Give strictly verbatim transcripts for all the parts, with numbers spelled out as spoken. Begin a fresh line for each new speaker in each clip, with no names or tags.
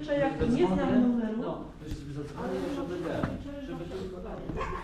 Jeszcze jak nie znam numeru.
No, to sobie zadzwonię, żeby nie, żeby tylko dać.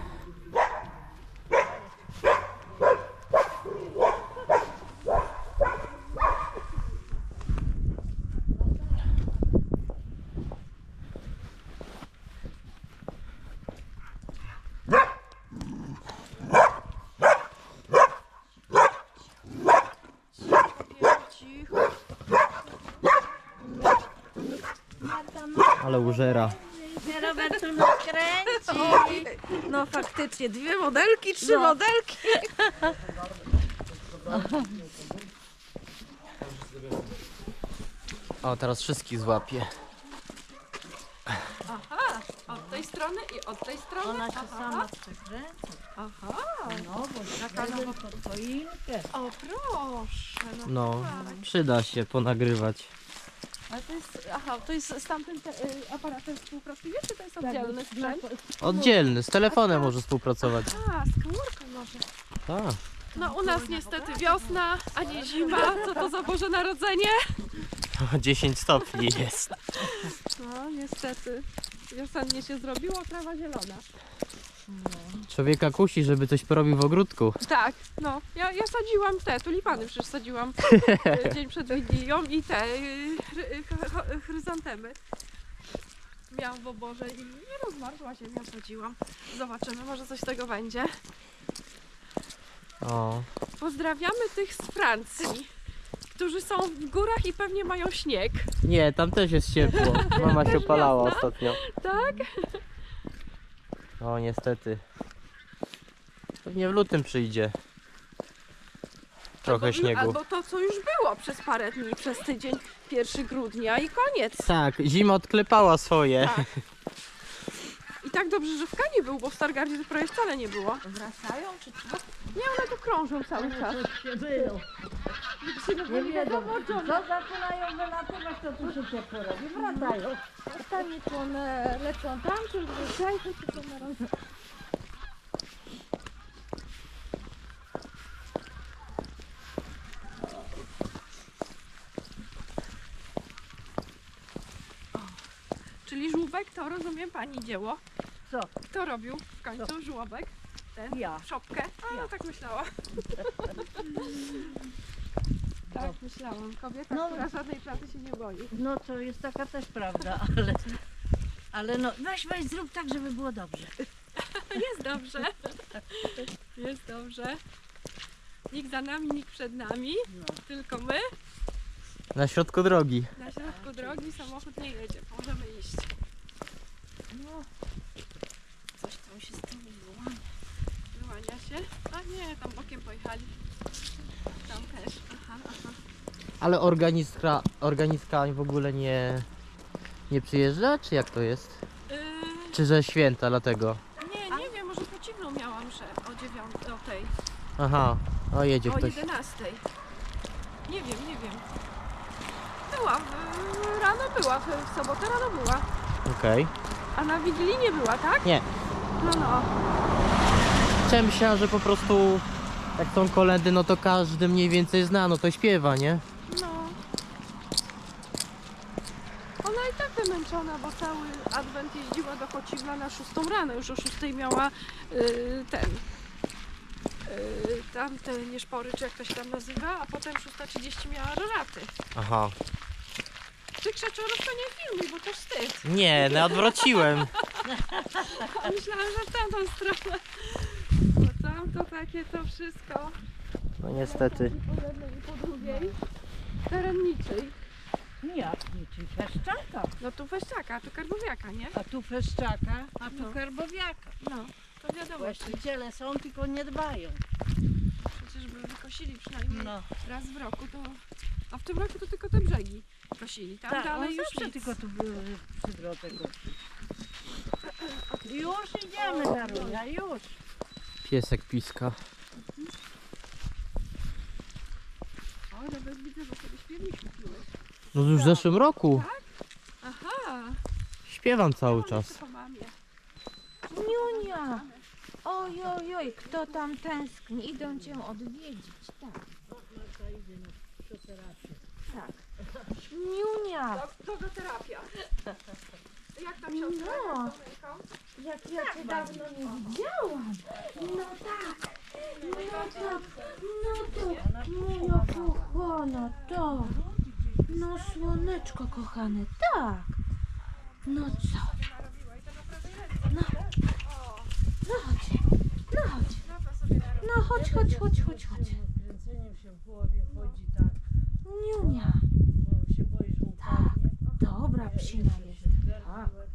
Ale użera.
Robertu nas kręci.
No faktycznie, dwie modelki, trzy
No.
modelki.
O, teraz wszystkich złapię.
Aha, od tej strony i od tej strony.
Ona się
Aha.
sama przekręca.
Aha,
No, bo taka nowa pod choinkę.
o proszę. No,
No,
tak.
przyda się ponagrywać.
Ale to jest, aha, to jest z tamtym te, y, aparatem współpracuje, czy to jest oddzielny sprzęt?
Oddzielny, z telefonem może współpracować.
A, z komórką może.
Tak.
No u nas niestety wiosna, a nie zima. Co to za Boże Narodzenie?
dziesięć stopni jest.
No niestety. Wiosennie się zrobiło, trawa zielona.
Człowieka kusi, żeby coś porobił w ogródku.
Tak, no. Ja, ja sadziłam te tulipany, przecież sadziłam y, dzień przed Wigilią i te y, chry- ch- ch- chryzantemy. Miałam w oborze i nie rozmarzła ziemia, sadziłam. Zobaczymy, może coś z tego będzie.
O,
Pozdrawiamy tych z Francji, którzy są w górach i pewnie mają śnieg.
nie, tam też jest ciepło. Mama się opalała ostatnio.
Tak?
O, niestety. Pewnie w lutym przyjdzie. Trochę
albo,
śniegu.
Albo to, co już było przez parę dni, przez tydzień pierwszego grudnia i koniec.
Tak, zima odklepała swoje.
Tak. I tak dobrze, że w Kanie był, bo w Stargardzie to prawie wcale nie było.
Wracają czy co?
Nie, one tu krążą cały czas.
Coś się wyją. Nie wiedzą. Co zaczynają wylatywać, to tu się ciepło robi. Wracają.
Pytanie, czy one lecą tam, czy wracają, czy to na razie. Czyli żółbek to, rozumiem, pani dzieło.
Co?
Kto robił w końcu żółbek? Ten?
Ja.
Szopkę? A,
Ja.
tak myślałam. Tak myślałam. Kobieta,
No.
która żadnej pracy się nie boi.
No to jest taka też prawda, ale... Ale no, weź, weź, zrób tak, żeby było dobrze.
Jest dobrze. Jest dobrze. Nikt za nami, nikt przed nami.
No.
Tylko my.
Na środku drogi.
Na środku drogi samochód nie jedzie. Możemy iść.
No.
Coś tam się z tym wyłania. Wyłania się? A nie, tam bokiem pojechali. Tam też. Aha, aha.
Ale organiska, organiska w ogóle nie, nie przyjeżdża? Czy jak to jest?
Yy,
Czy że święta dlatego?
nie, nie wiem, może po ciemną miałam mszę o dziewiątej, o tej,
Aha, o jedzie
o
ktoś.
jedenastej. Nie wiem, nie wiem. Była, w, rano była, w, w sobotę rano była.
Okej.
A na Wigilii nie była, tak?
Nie.
No, no.
Chciałem myślałem, że po prostu jak są kolendy, no to każdy mniej więcej zna, no to śpiewa, nie?
No. Ona i tak wymęczona, bo cały adwent jeździła do Chocimla na szóstą rano. Już o szóstej miała yy, ten... Yy, tamte nieszpory, czy jak to się tam nazywa, a potem szósta trzydzieści miała roraty.
Aha.
Ty Krzaczorów to nie filmuj, bo to wstyd.
Nie, no odwróciłem.
A myślałam, że w tamtą stronę. Bo tam to takie to wszystko.
No niestety.
I po jednej i po drugiej. Terenniczej.
Jak niczym Feszczaka.
No tu Weźczaka, tu Karbowiaka, nie?
A tu Feszczaka, a tu
No.
Karbowiaka.
No, to wiadomo.
Właściciele są, tylko nie dbają.
Przecież by wykosili przynajmniej
No.
raz w roku, to... A w tym roku to tylko te brzegi kosili. Tam
Tak,
dalej
on
już
zawsze
nic.
tylko tu były przy drodze gości. Już idziemy, Darunia, już.
Piesek piska.
O, nawet widzę, że sobie śpiewnik kupiłeś.
No już w zeszłym roku.
Aha.
Śpiewam cały
Mam
czas.
jeszcze po mamie.
Niunia! Oj, oj, oj, kto tam tęskni? Idą cię odwiedzić, tak. Tak. Niunia,
Dogoterapia. Jak tam siostra?
No.
Jak z Domenką?
jak ja cię dawno nie widziałam. No tak, no tak, no to, moja kochana, tak. No słoneczko kochane, tak. No co? No, no chodź, no chodź. No chodź, chodź, chodź, chodź, chodź.
Kręceniem się w głowie chodzi tak,
Niunia,
bo się boisz, że upadnie.
dobra psina jest.
Tak.